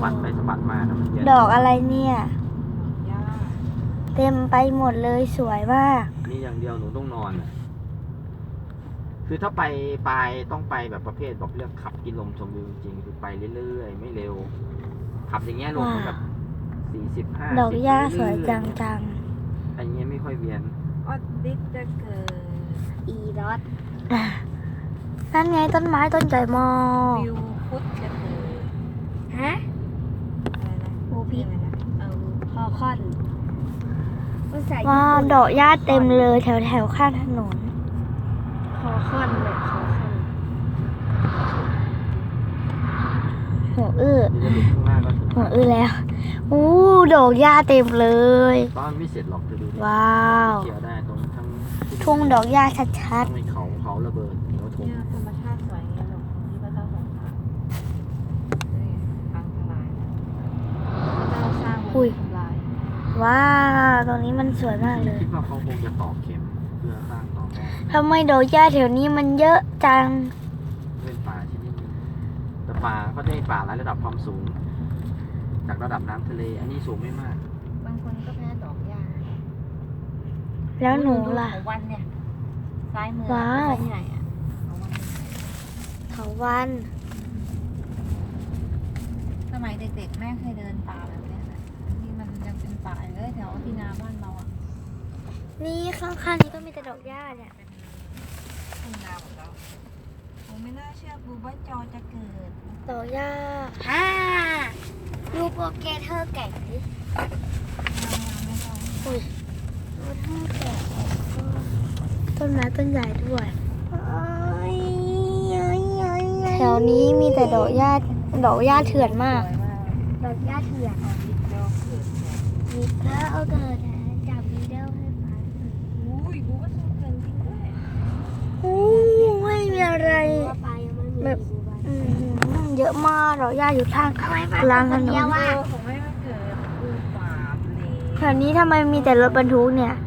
บัดไปสะบัดมานะมันเยอะดอกอะไรเนี่ยหญ้าเต็มไปหมดเลยสวยมากนี่อย่างเดียวหนูต้องนอนอะคือถ้าไปปลายต้องไปแบบประเภทบอกเรื่องขับกินลมชมวิวจริงๆคือไปเรื่อยๆไม่เร็ว ขับอย่างเงี้ยลงแบบ40-50 ดอกหญ้าสวยจังอันเงี้ยไม่ค่อยเวียนออดดิสจะเกิดอีรอดนั่นไงต้นไม้ต้นใหญ่มากวิวพุทธจะเกิดฮะอะไรนะบูพิษอะไรนะพอค่อนว้าวดอกหญ้าเต็มเลยแถวข้างถนนคอค่อนเลยคอค่อนหัวอื้อเดี๋ยวจะหลุดข้างหน้าก็ถึงหัวอื้อแล้วอู้ดอกหญ้าเต็มเลยตอนไม่เสร็จหรอกจะดูดิว้าวเกี่ยวได้ตรงทั้งทุ่งดอกหญ้าชัดทั้งในเขาระเบิดเหนียวถมเนี่ยธรรมชาติสวยอย่างเงี้ยหรอกที่พระเจ้าทรงสร้างนี่พังทลายนะพระเจ้าสร้างมันทำลายๆว้าวตรงนี้มันสวยมากเลยคิดว่าเขาคงจะตอกเข็มเพื่อสร้างต่อแม่ทำไมดอกหญ้าแถวนี้มันเยอะจังเป็นป่าชนิดหนึงแต่ป่าก็จะมีป่าหลายระดับความสูง จากระดับน้ำทะเล อันนี้สูงไม่มากบางคนก็แพ้ดอกหญ้าแล้วหนูล่ะของวันเนี่ยซ้ายมือว้าวใหญ่อะของวันเถาวันสมัยเด็กๆแม่เคยเดินป่าแบบเนี้ยนะที่มันยังเป็นป่าอยู่เลยแถวที่นาบ้านเราอ่ะนี่ข้างๆนี้ก็มีแต่ดอกหญ้าเนี่ยเป็นทุ่งนาของเราผมไม่น่าเชื่อบูบ้าจอจะเกิดดอกหญ้าดูโปรเกเทอร์แก่งดิไม่ต้องอุ้ยดูเธอแก่งต้นไม้ต้นใหญ่ด้วยแถวนี้มีแต่ดอกหญ้าเถื่อนมากสวยมากดอกหญ้าเถื่อนเอาดิบเดียวเกิดเนี่ยมีแล้วเอาเกิดจับวีเดลให้ฟังอุ้ยบูบ้าจอเกิดจริงด้วยไม่มีอะไรแบบเยอะมากดอกหญ้าอยู่ทางกลางถนนของแม่มาเกิดบูป่าเลยแถวนี้ทำไมมีแต่รถบรรทุกเนี่ย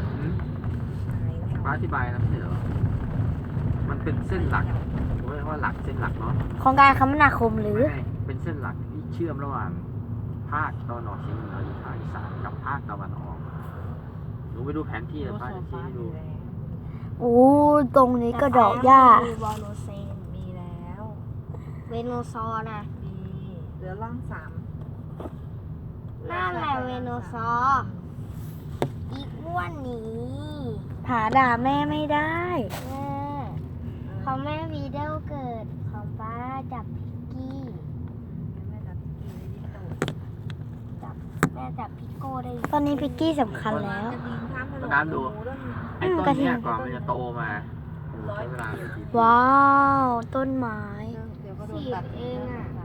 ป้าอธิบายนะไม่ใช่เหรอ มันเป็นเส้นหลักผมเรียกว่าหลักเส้นหลักเนาะของการคมนาคมหรือไม่เป็นเส้นหลักที่เชื่อมระหว่างภาคตะวันออกเฉียงเหนือหรือภาคอีสานกับภาคตะวันออกหนูไปดูแผนที่แล้วป้าจะชี้ให้ดูโอ้ตรงนี้ก็ดอกหญ้าวอลโลเซนมีแล้วเวโนซอร์นะมีเหลือร่างสามนั่นแหละเวโนซอร์อีกอ้วนนี้หาด่าแม่ไม่ได้แม่ของแม่วีเดลเกิดของป้าจับพิกกี้แม่จับกินที่ตูดแม่จับพิกโก้ได้ตอนนี้พิกกี้สำคัญแล้วจะยิงข้ามถนนน้ำดู ไอ้ต้นเนี้ยก่อนมันจะโตมาใช้เวลาไม่กี่ปีว้าวต้นไม้เดี๋ยวก็โดนตัดเองอ่ะ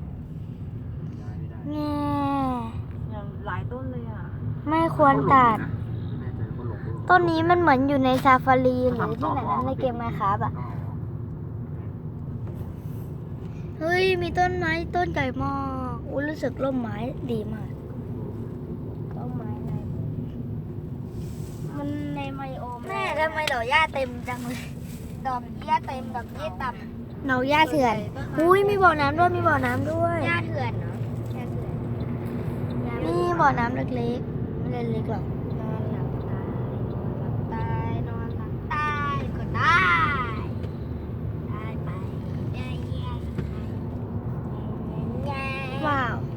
แง่หลายต้นเลยอ่ะไม่ควรตัดไม่แน่ใจว่าหลงหรือเปล่าต้นนี้มันเหมือนอยู่ในซาฟารีหรือที่ไหนนะในเกมไมค์ครับอ่ะ เฮ้ย มีต้นไม้ต้นใหญ่มากอู้รู้สึกร่มไม้ดีมากร่มไม้ในมันในไมโอแม่ทำไมดอกหญ้าเต็มจังเลยดอกหญ้าเต็มดอกหญ้าต่ำดอกหญ้าเถื่อนอุ้ยมีบ่อน้ำด้วยมีบ่อน้ำด้วยหญ้าเถื่อนเนาะหญ้าเถื่อนนี่บ่อน้ำเล็กๆไม่เล็กหรอกนอนหลับตายนอนหลับตายก็ได้ได้ไปได้ ว้าว